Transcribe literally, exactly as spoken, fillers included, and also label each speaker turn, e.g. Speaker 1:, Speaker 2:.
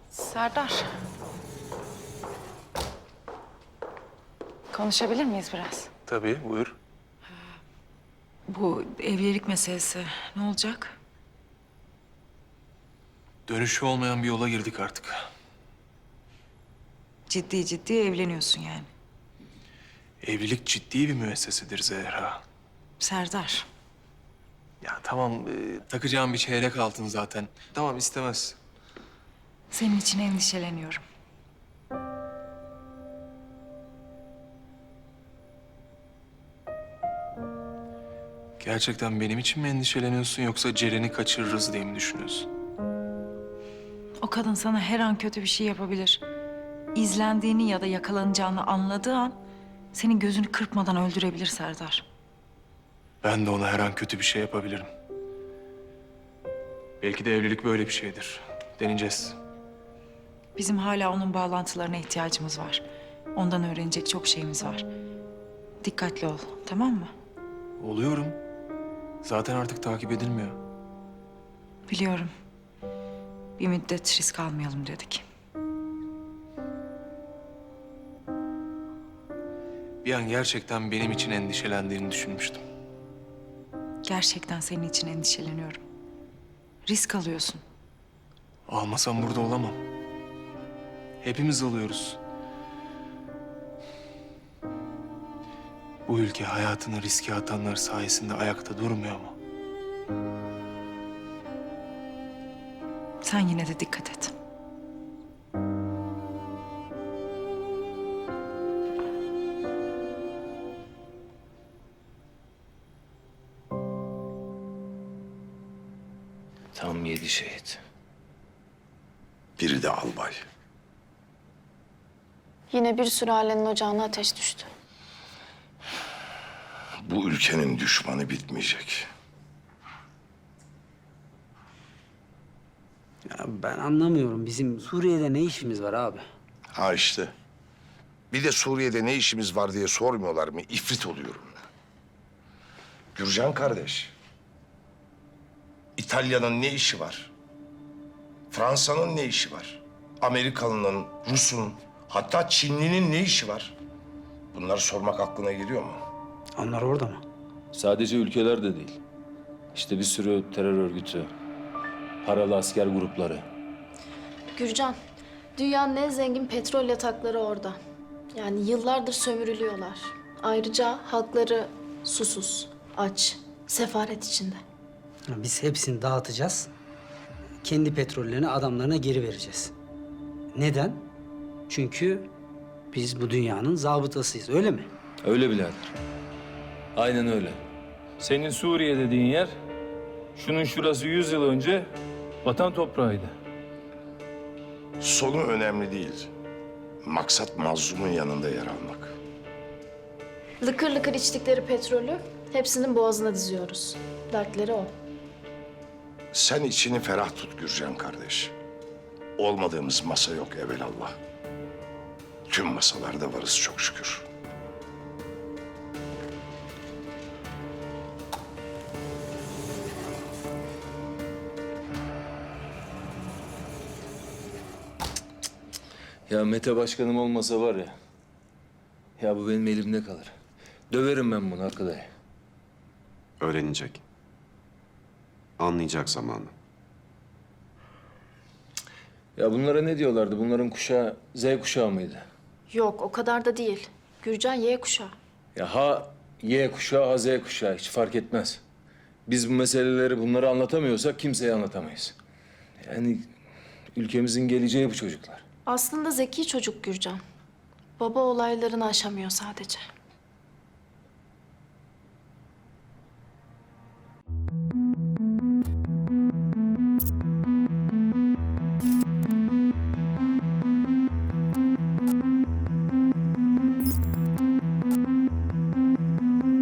Speaker 1: Serdar. Konuşabilir miyiz biraz?
Speaker 2: Tabii, buyur.
Speaker 1: Bu evlilik meselesi ne olacak?
Speaker 2: Dönüşü olmayan bir yola girdik artık.
Speaker 1: Ciddi ciddi evleniyorsun yani.
Speaker 2: Evlilik ciddi bir müessesedir Zehra.
Speaker 1: Serdar.
Speaker 2: Ya tamam, e, takacağım bir çeyrek altın zaten. Tamam, istemez.
Speaker 1: Senin için endişeleniyorum.
Speaker 2: Gerçekten benim için mi endişeleniyorsun yoksa Ceren'i kaçırırız diye mi düşünüyorsun?
Speaker 1: O kadın sana her an kötü bir şey yapabilir. İzlendiğini ya da yakalanacağını anladığı an senin gözünü kırpmadan öldürebilir Serdar.
Speaker 2: Ben de ona her an kötü bir şey yapabilirim. Belki de evlilik böyle bir şeydir. Deneyeceğiz.
Speaker 1: Bizim hala onun bağlantılarına ihtiyacımız var. Ondan öğrenecek çok şeyimiz var. Dikkatli ol, tamam mı?
Speaker 2: Oluyorum. Zaten artık takip edilmiyor.
Speaker 1: Biliyorum. Bir müddet risk almayalım dedik.
Speaker 2: Bir an gerçekten benim için endişelendiğini düşünmüştüm.
Speaker 1: Gerçekten senin için endişeleniyorum. Risk alıyorsun.
Speaker 2: Almasam burada olamam. Hepimiz alıyoruz. Bu ülke hayatını riske atanlar sayesinde ayakta durmuyor mu?
Speaker 1: Sen yine de dikkat et.
Speaker 3: Tam yedi şehit.
Speaker 4: Biri de albay.
Speaker 5: Yine bir sülalenin ocağına ateş düştü.
Speaker 4: Bu ülkenin düşmanı bitmeyecek.
Speaker 6: Ya ben anlamıyorum. Bizim Suriye'de ne işimiz var abi?
Speaker 4: Ha işte. Bir de Suriye'de ne işimiz var diye sormuyorlar mı? İfrit oluyorum. Gürcan kardeş. İtalya'nın ne işi var? Fransa'nın ne işi var? Amerikalı'nın, Rus'un, hatta Çinli'nin ne işi var? Bunları sormak aklına geliyor mu?
Speaker 6: Onlar orada mı?
Speaker 3: Sadece ülkeler de değil. İşte bir sürü terör örgütü, paralı asker grupları.
Speaker 5: Gürcan, dünyanın en zengin petrol yatakları orada. Yani yıllardır sömürülüyorlar. Ayrıca halkları susuz, aç, sefaret içinde.
Speaker 6: Ya biz hepsini dağıtacağız. Kendi petrollerini adamlarına geri vereceğiz. Neden? Çünkü biz bu dünyanın zabıtasıyız, öyle mi?
Speaker 3: Öyle birader. Aynen öyle.
Speaker 7: Senin Suriye dediğin yer, şunun şurası yüz yıl önce vatan toprağıydı.
Speaker 4: Sonu önemli değil. Maksat mazlumun yanında yer almak.
Speaker 5: Lıkır lıkır içtikleri petrolü hepsinin boğazına diziyoruz. Dertleri o.
Speaker 4: Sen içini ferah tut Gürcan kardeş. Olmadığımız masa yok evelallah. Tüm masalarda varız çok şükür.
Speaker 3: Ya Mete başkanım olmasa var ya, ya bu benim elimde kalır. Döverim ben bunu arkadaş.
Speaker 8: Öğrenecek. Anlayacak zamanı.
Speaker 3: Ya bunlara ne diyorlardı? Bunların kuşağı Z kuşağı mıydı?
Speaker 5: Yok, o kadar da değil. Gürcan Y kuşağı.
Speaker 3: Ya ha Y kuşağı, ha Z kuşağı hiç fark etmez. Biz bu meseleleri bunları anlatamıyorsak kimseye anlatamayız. Yani ülkemizin geleceği bu çocuklar.
Speaker 5: Aslında zeki çocuk Gürcan. Baba olaylarını aşamıyor sadece.